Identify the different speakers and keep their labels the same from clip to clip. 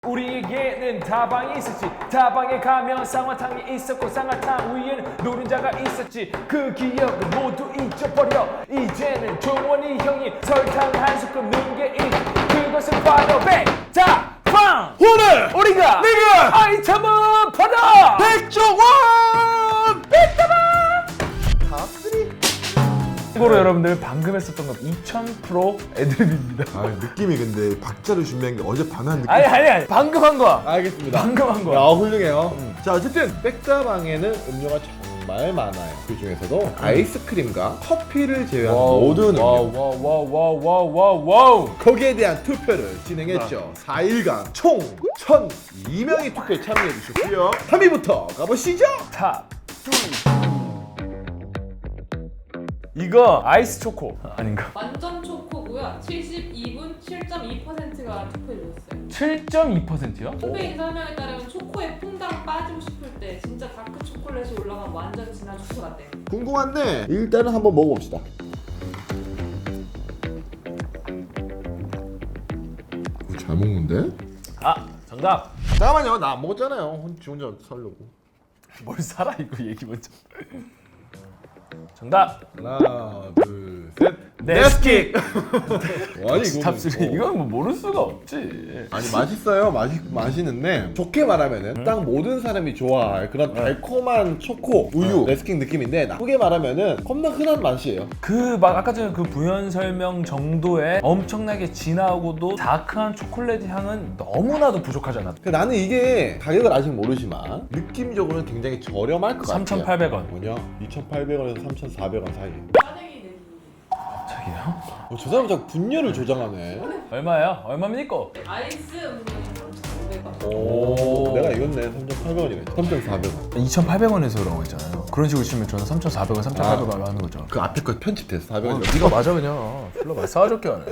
Speaker 1: 우리에게는 다방이 있었지. 다방에 가면 쌍화탕이 있었고 쌍화탕 위에는 노른자가 있었지. 그 기억은 모두 잊어버려. 이제는 종원이 형이 설탕 한 스푼 넣은 게 있지. 그것은 바로 백다방.
Speaker 2: 오늘
Speaker 1: 우리가
Speaker 2: 내가
Speaker 1: 아이템은 받아
Speaker 2: 백종원
Speaker 1: 백다방.
Speaker 2: 다음들이
Speaker 1: 참고로 여러분들 방금 했었던 건 2000% 애드립입니다.
Speaker 2: 아 느낌이 근데 박자를 준비한 게 어제 반한 느낌.
Speaker 1: 아니 방금 한 거야.
Speaker 2: 알겠습니다.
Speaker 1: 방금 한 거야.
Speaker 2: 야 훌륭해요. 자 어쨌든 백다방에는 음료가 정말 많아요. 그 중에서도 아이스크림과 커피를 제외한 모든 음료.
Speaker 1: 와우.
Speaker 2: 거기에 대한 투표를 진행했죠. 4일간 총 1,002명이 투표에 참여해 주셨고요. 3위부터 가보시죠.
Speaker 1: 탑 2. 이거 아이스 초코 아닌가?
Speaker 3: 완전 초코고요. 72분 7.2%가 투표해줬어요.
Speaker 1: 7.2%요?
Speaker 3: 투표인 설명에 따르면 초코에 퐁당 빠지고 싶을 때 진짜 다크 초콜릿이 올라가면 완전 진한 초코 같대요.
Speaker 2: 궁금한데 일단은 한번 먹어봅시다. 잘 먹는데?
Speaker 1: 아 정답.
Speaker 2: 잠깐만요. 나 안 먹었잖아요. 지 혼자 살려고.
Speaker 1: 뭘 살아 이거 얘기 먼저. 정답.
Speaker 2: 하나, 둘, 셋.
Speaker 1: 네스킥.
Speaker 2: 아니
Speaker 1: 탑 3. 이건 뭐 모를 수가 없지.
Speaker 2: 아니 맛있어요. 맛있는데 좋게 말하면은 딱 모든 사람이 좋아할 그런 달콤한 초코 우유 네스킥 느낌인데 나쁘게 말하면은 겁나 흔한 맛이에요.
Speaker 1: 그 막 아까 전에 그 부연 설명 정도의 엄청나게 진하고도 다크한 초콜릿 향은 너무나도 부족하잖아.
Speaker 2: 나는 이게 가격을 아직 모르지만 느낌적으로는 굉장히 저렴할 것 같아요.
Speaker 1: 3,800원.
Speaker 2: 뭐냐? 2,800원에서 3,400원 사이.
Speaker 3: 짜증이 내기.
Speaker 1: 저기요?
Speaker 2: 저 사람 자꾸 분열을 조장하네.
Speaker 1: 얼마예요? 얼마입니까?
Speaker 3: 아이스 음료는 3,500원.
Speaker 2: 오, 내가 이겼네. 3,800원이네. 3,400원.
Speaker 1: 2,800원에서 그런 했잖아요. 그런 식으로 치면 저는 3,400원, 3,800원 하는 거죠.
Speaker 2: 그 앞에 거 편집돼서 400원.
Speaker 1: 네가 맞아 그냥. 별로 말 싸가지게 하네.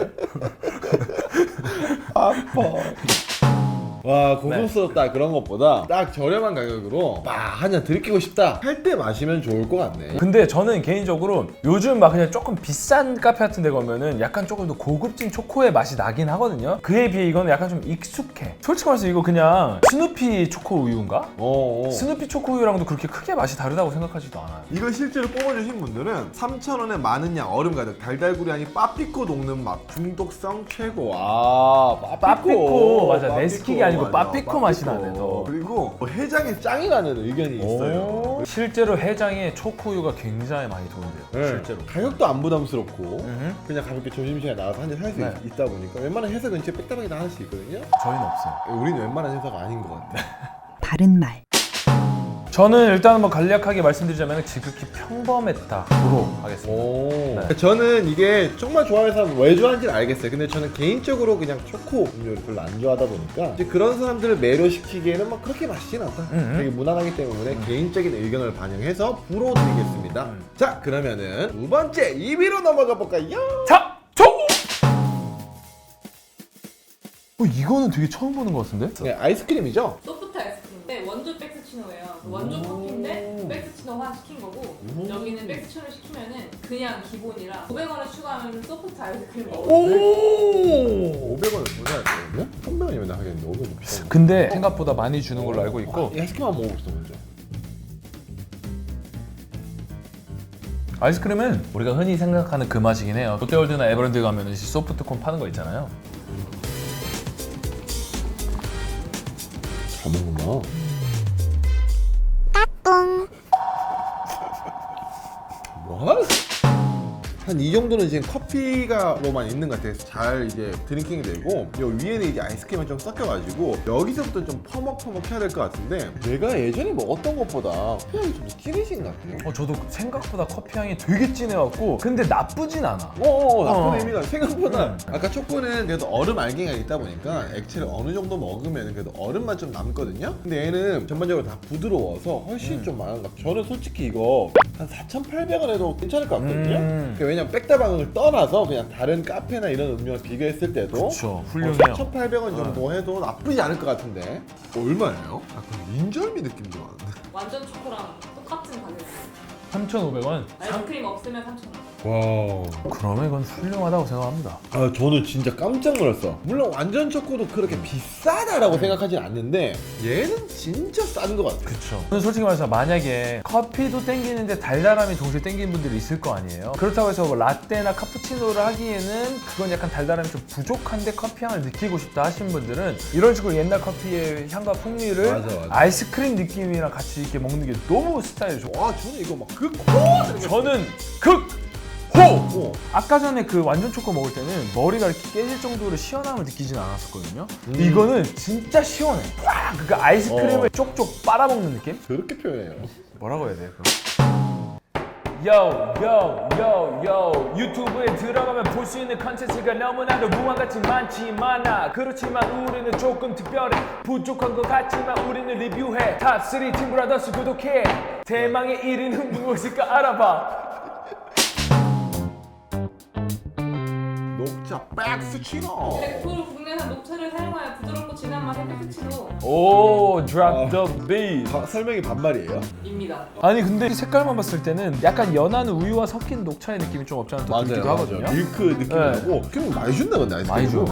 Speaker 2: 아파. 와 고급스럽다 그런 것보다 딱 저렴한 가격으로 한 잔 들이키고 싶다 할 때 마시면 좋을 것 같네.
Speaker 1: 근데 저는 개인적으로 요즘 막 그냥 조금 비싼 카페 같은 데 가면은 약간 조금 더 고급진 초코의 맛이 나긴 하거든요. 그에 비해 이거는 약간 좀 익숙해. 솔직히 말해서 이거 그냥 스누피 초코 우유인가? 스누피 초코 우유랑도 그렇게 크게 맛이 다르다고 생각하지도 않아요.
Speaker 2: 이걸 실제로 뽑아주신 분들은 3,000원에 많은 양 얼음 가득 달달구리 아니 빠삐코 녹는 맛 중독성 최고.
Speaker 1: 빠삐코 맞아.
Speaker 2: 빠삐코
Speaker 1: 네스킥이 아니고
Speaker 2: 맞아.
Speaker 1: 빠삐코 맛이 나네 더.
Speaker 2: 그리고 해장에 짱이라는 의견이 있어요.
Speaker 1: 실제로 해장에 초코 우유가 굉장히 많이 도움돼요.
Speaker 2: 네.
Speaker 1: 실제로.
Speaker 2: 가격도 안 부담스럽고
Speaker 1: 음흠.
Speaker 2: 그냥 가볍게 점심시간에 나가서 한 잔 살 수
Speaker 1: 네.
Speaker 2: 있다 보니까 웬만한 회사 근처에 빽다방이나 하나씩 있거든요.
Speaker 1: 저희는 없어요.
Speaker 2: 우리는 웬만한 회사가 아닌 것 같아.
Speaker 4: 바른 말.
Speaker 1: 저는 일단 뭐 간략하게 말씀드리자면 지극히 평범했다로 하겠습니다. 네.
Speaker 2: 저는 이게 정말 좋아하는 사람 왜 좋아하는지는 알겠어요. 근데 저는 개인적으로 그냥 초코 음료를 별로 안 좋아하다 보니까 이제 그런 사람들을 매료시키기에는 막 그렇게 맛있진 않다. 되게 무난하기 때문에 개인적인 의견을 반영해서 불호 드리겠습니다. 자 그러면은 두 번째 2위로 넘어가 볼까요?
Speaker 1: 자, 초코! 이거는 되게 처음 보는 것 같은데?
Speaker 2: 네, 아이스크림이죠?
Speaker 3: 소프트 아이스크림. 네, 원조 백스치노예요. 그 원조 커피인데 백스치노화 시킨 거고 여기는 백스치노를 시키면은 그냥 기본이라 500원을 추가하면 소프트 아이스크림 먹어요.
Speaker 2: 500원을 더 내야 되거든요? 300원이면 하겠는데 500원 비싸.
Speaker 1: 근데 생각보다 많이 주는 걸로 알고 있고
Speaker 2: 이 아이스크림 한번 먹어봅시다 먼저.
Speaker 1: 아이스크림은 우리가 흔히 생각하는 그 맛이긴 해요. 롯데월드나 에버랜드 가면 소프트콘 파는 거 있잖아요.
Speaker 2: 잘 먹는구나. 뭐? 한 이 정도는 지금 커피가로만 있는 것 같아요. 잘 이제 드링킹이 되고 요 위에는 이제 아이스크림을 좀 섞여가지고 여기서부터 좀 퍼먹퍼먹 해야 될 것 같은데 내가 예전에 먹었던 것보다 커피향이 좀 진해진 것 같아요.
Speaker 1: 저도 생각보다 커피 향이 되게 진해갖고 근데 나쁘진 않아.
Speaker 2: 나쁜 의미가 생각보다 아까 초코는 그래도 얼음 알갱이가 있다 보니까 액체를 어느 정도 먹으면 그래도 얼음만 좀 남거든요. 근데 얘는 전반적으로 다 부드러워서 훨씬 좀 많은 것 같아요. 저는 솔직히 이거 한 4,800원 해도 괜찮을 것 같거든요. 왜냐면 백다방을 떠나서 그냥 다른 카페나 이런 음료와 비교했을 때도
Speaker 1: 그쵸, 훌륭해요.
Speaker 2: 4,800원 정도 해도 나쁘지 않을 것 같은데 얼마예요? 약간 인절미 느낌도 나는데
Speaker 3: 완전 초코랑 똑같은 가격이에요.
Speaker 1: 3,500원?
Speaker 3: 아이스크림 없으면 3,000원.
Speaker 2: 와.
Speaker 1: 그러면 이건 훌륭하다고 생각합니다.
Speaker 2: 아 저는 진짜 깜짝 놀랐어. 물론 완전 초코도 그렇게 비싸다라고 생각하진 않는데 얘는 진짜 싼 것 같아.
Speaker 1: 그쵸. 저는 솔직히 말해서 만약에 커피도 땡기는데 달달함이 동시에 땡기는 분들이 있을 거 아니에요. 그렇다고 해서 뭐 라떼나 카푸치노를 하기에는 그건 약간 달달함이 좀 부족한데 커피 향을 느끼고 싶다 하시는 분들은 이런 식으로 옛날 커피의 향과 풍미를
Speaker 2: 맞아.
Speaker 1: 아이스크림 느낌이랑 같이 이렇게 먹는 게 너무 스타일이 좋아.
Speaker 2: 와 저는 이거 막
Speaker 1: 저는 극호!
Speaker 2: 어.
Speaker 1: 아까 전에 그 완전 초코 먹을 때는 머리가 이렇게 깨질 정도로 시원함을 느끼진 않았었거든요. 이거는 진짜 시원해. 와, 그 아이스크림을 쪽쪽 빨아먹는 느낌?
Speaker 2: 그렇게 표현해요.
Speaker 1: 뭐라고 해야 돼요? 요 유튜브에 들어가면 볼 수 있는 컨텐츠가 너무나도 무한같이 많지만 그렇지만 우리는 조금 특별해. 부족한 것 같지만 우리는 리뷰해. 탑3 팀브라더스 구독해. 대망의 1위는 무엇일까 알아봐.
Speaker 2: 녹차 백스치노.
Speaker 3: 100% 국내산 녹차를 사용하여 부드럽고 진한 맛의 백스치노입니다.
Speaker 1: 오, drop the beat.
Speaker 2: 설명이 반말이에요?
Speaker 1: 아니 근데 색깔만 봤을 때는 약간 연한 우유와 섞인 녹차의 느낌이 좀 없지 않아 또 들기도 하거든요.
Speaker 2: 밀크 느낌이
Speaker 1: 네.
Speaker 2: 나고 그럼 많이 준다 근데 아이스크림.
Speaker 1: 많이 줘.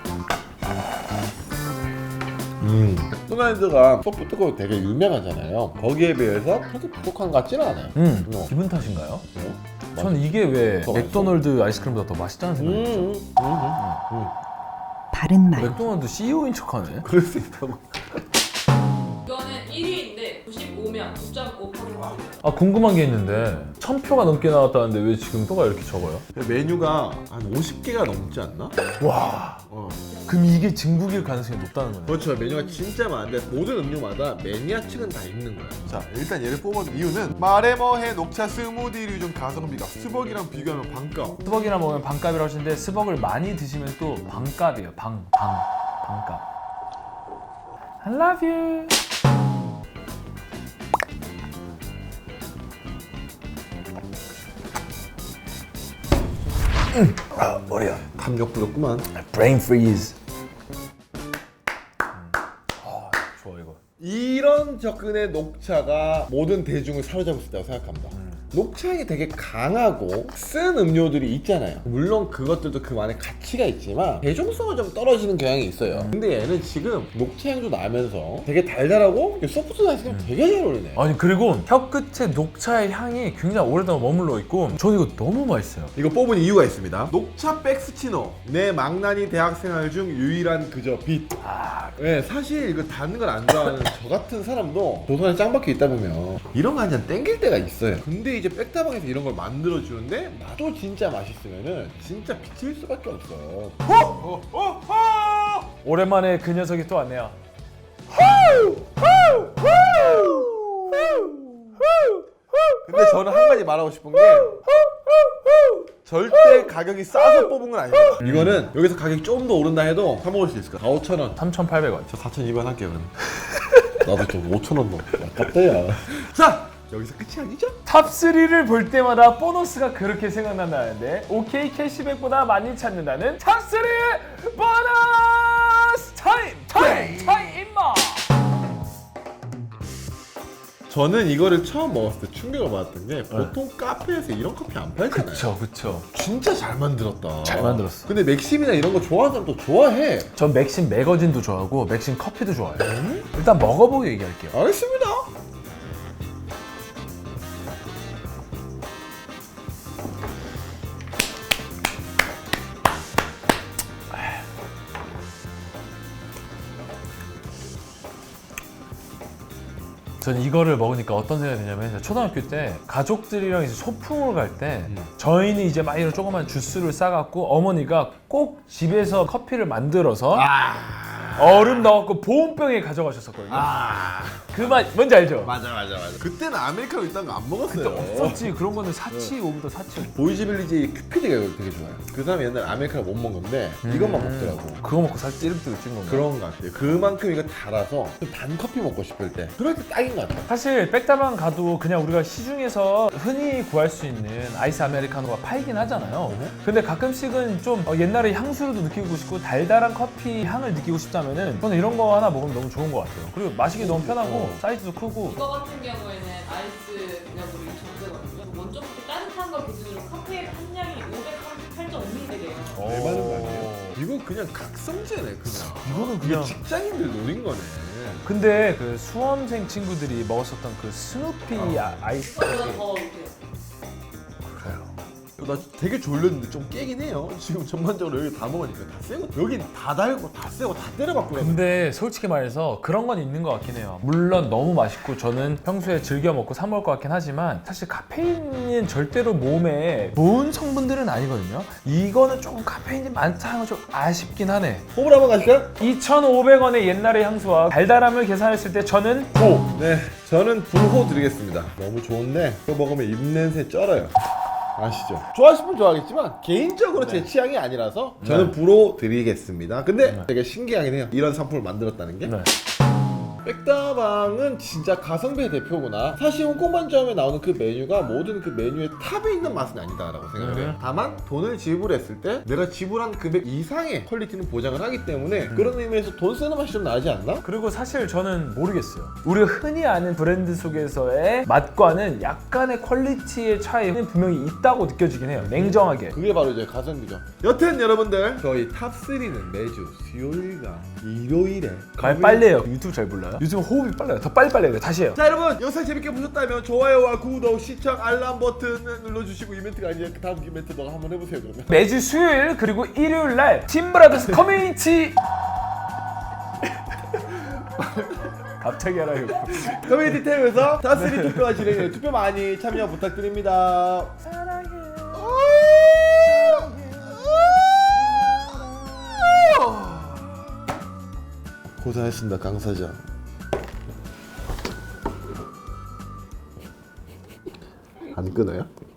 Speaker 2: 맥도날드가 소프트코어 되게 유명하잖아요. 거기에 비해서 그렇게 부족한 것 같지는 않아요.
Speaker 1: 기분 탓인가요?
Speaker 2: 어?
Speaker 1: 전 이게 왜
Speaker 2: 더
Speaker 1: 맥도날드 아이스크림보다 더 맛있다는 생각이 들어요.
Speaker 4: 바른 말.
Speaker 1: 맥도날드 CEO인 척하네.
Speaker 2: 그럴 수 있다고.
Speaker 3: 이거는 1위인데 95면 9.5%.
Speaker 1: 아 궁금한 게 있는데 1000표가 넘게 나왔다는데 왜 지금 표가 이렇게 적어요?
Speaker 2: 메뉴가 한 50개가 넘지 않나?
Speaker 1: 와,
Speaker 2: 어.
Speaker 1: 그럼 이게 중국일 가능성이 높다는 거네.
Speaker 2: 그렇죠. 메뉴가 진짜 많은데 모든 음료마다 매니아층은 다 있는 거예요. 자, 일단 얘를 뽑은 이유는 말해 뭐해 녹차 스무디류 중 가성비가 스벅이랑 비교하면 반값.
Speaker 1: 스벅이랑 먹으면 반값이라고 하시는데 스벅을 많이 드시면 또 반값이에요. 반값. I love you. 아, 머리야.
Speaker 2: 담력 부럽구만.
Speaker 1: Brain freeze. 좋아 이거.
Speaker 2: 이런 접근의 녹차가 모든 대중을 사로잡을 수 있다고 생각합니다. 녹차향이 되게 강하고 쓴 음료들이 있잖아요. 물론 그것들도 그만의 가치가 있지만 대중성은 좀 떨어지는 경향이 있어요. 근데 얘는 지금 녹차향도 나면서 되게 달달하고 소프트 아이스크림 되게 잘 어울리네.
Speaker 1: 아니 그리고 혀 끝에 녹차의 향이 굉장히 오랫동안 머물러 있고 저는 이거 너무 맛있어요.
Speaker 2: 이거 뽑은 이유가 있습니다. 녹차 백스치노. 내 망나니 대학생활 중 유일한 그저 빛. 네, 사실 이거 단 걸 안 좋아하는 저 같은 사람도 도선에 짱 박혀 있다 보면 이런 거 한 잔 땡길 때가 있어요. 근데 이제 백다방에서 이런 걸 만들어 주는데 맛도 진짜 맛있으면은 진짜 미칠 수밖에 없어.
Speaker 1: 오랜만에 그 녀석이 또 왔네요.
Speaker 2: 근데 저는 한 가지 말하고 싶은 게 절대 가격이 싸서 뽑은 건 아닙니다. 이거는 여기서 가격이 좀 더 오른다 해도 사 먹을 수 있을 거야. 4,5,000원.
Speaker 1: 3,800원.
Speaker 2: 저 4,200원 할게요 그럼. 나도 좀 5,000원 넣어. 아깝다 야. 자! 여기서 끝이 아니죠?
Speaker 1: 탑3를 볼 때마다 보너스가 그렇게 생각난다는데 OK 캐시백보다 많이 찾는다는 탑3 보너스 타임 임마.
Speaker 2: 저는 이거를 처음 먹었을 때 충격을 받았던 게 보통 카페에서 이런 커피 안 팔잖아요.
Speaker 1: 그쵸.
Speaker 2: 진짜 잘 만들었다.
Speaker 1: 잘 만들었어.
Speaker 2: 근데 맥심이나 이런 거 좋아하는 사람도 좋아해.
Speaker 1: 전 맥심 매거진도 좋아하고 맥심 커피도 좋아해요. 일단 먹어보고 얘기할게요.
Speaker 2: 알겠습니다.
Speaker 1: 저는 이거를 먹으니까 어떤 생각이 드냐면 초등학교 때 가족들이랑 이제 소풍을 갈 때 저희는 이제 막 이런 조그만 주스를 싸갖고 어머니가 꼭 집에서 커피를 만들어서 얼음 넣어갖고 보온병에 가져가셨었거든요. 그 맛 뭔지 알죠?
Speaker 2: 맞아. 그때는 아메리카노 있다는 거 안 먹었어요.
Speaker 1: 없었지. 그런 거는 사치 오브더 사치.
Speaker 2: 보이지빌리지 큐피드가 되게 좋아요. 그 사람이 옛날에 아메리카노 못 먹은 건데 이것만 먹더라고.
Speaker 1: 그거 먹고 살 찌름찌름 찐 건가?
Speaker 2: 그런 것 같아요. 그만큼 이거 달아서 좀 단 커피 먹고 싶을 때 그럴 때 딱인 것 같아요.
Speaker 1: 사실 백다방 가도 그냥 우리가 시중에서 흔히 구할 수 있는 아이스 아메리카노가 팔긴 하잖아요. 근데 가끔씩은 좀 옛날의 향수로도 느끼고 싶고 달달한 커피 향을 느끼고 싶다면 하면은 저는 이런 거 하나 먹으면 너무 좋은 것 같아요. 그리고 마시기 너무 편하고 사이즈도 크고.
Speaker 3: 이거 같은 경우에는 아이스 그냥으로 2,900원이고요. 원조 커피 따뜻한 거 기준으로 카페인 함량이 538.5ml예요.
Speaker 2: 얼마는 거 아니에요? 이거 그냥 각성제네 그냥.
Speaker 1: 이거는
Speaker 2: 이게 직장인들 노린 거네.
Speaker 1: 근데 그 수험생 친구들이 먹었었던 그 스누피 아이스.
Speaker 3: 이거보다 더 이렇게
Speaker 1: 그래요.
Speaker 2: 나 되게 졸렸는데 좀 깨긴 해요. 지금 전반적으로 여기 다 먹으니까 다 세고 여긴 다 달고 다 세고 다 때려박고
Speaker 1: 근데 솔직히 말해서 그런 건 있는 것 같긴 해요. 물론 너무 맛있고 저는 평소에 즐겨 먹고 사 먹을 것 같긴 하지만 사실 카페인은 절대로 몸에 좋은 성분들은 아니거든요. 이거는 조금 카페인이 많다는 건 좀 아쉽긴 하네.
Speaker 2: 호불 한번 가실까요?
Speaker 1: 2,500원의 옛날의 향수와 달달함을 계산했을 때 저는 호!
Speaker 2: 네, 저는 불호 드리겠습니다. 너무 좋은데 이거 먹으면 입냄새 쩔어요. 아시죠? 좋아하시면 좋아하겠지만 개인적으로 제 취향이 아니라서 저는 불호 드리겠습니다. 근데 되게 신기하긴 해요. 이런 상품을 만들었다는 게.
Speaker 1: 네.
Speaker 2: 백다방은 진짜 가성비의 대표구나. 사실 홍콩반점에 나오는 그 메뉴가 모든 그 메뉴의 탑에 있는 맛은 아니다라고 생각을 해요. 다만 돈을 지불했을 때 내가 지불한 금액 이상의 퀄리티는 보장을 하기 때문에 그런 의미에서 돈 쓰는 맛이 좀 나지 않나?
Speaker 1: 그리고 사실 저는 모르겠어요. 우리가 흔히 아는 브랜드 속에서의 맛과는 약간의 퀄리티의 차이는 분명히 있다고 느껴지긴 해요. 냉정하게.
Speaker 2: 그게 바로 이제 가성비죠. 여튼 여러분들 저희 탑3는 매주 수요일과 일요일에
Speaker 1: 말 빨리 해요. 유튜브 잘 몰라요? 요즘 호흡이 빨라요. 더 빨리 해야 돼. 다시 해요.
Speaker 2: 자 여러분 영상 재밌게 보셨다면 좋아요와 구독, 시청, 알람 버튼 눌러주시고 이벤트가 아니라 그 다음 이벤트 너가 한번 해보세요 그러면.
Speaker 1: 매주 수요일 그리고 일요일 날 팀브라더스 커뮤니티 갑자기 하라 이거.
Speaker 2: 커뮤니티 탭에서 탑3 투표가 진행해요. 투표 많이 참여 부탁드립니다. 고생하셨습니다 강 사장. 안 끊어요?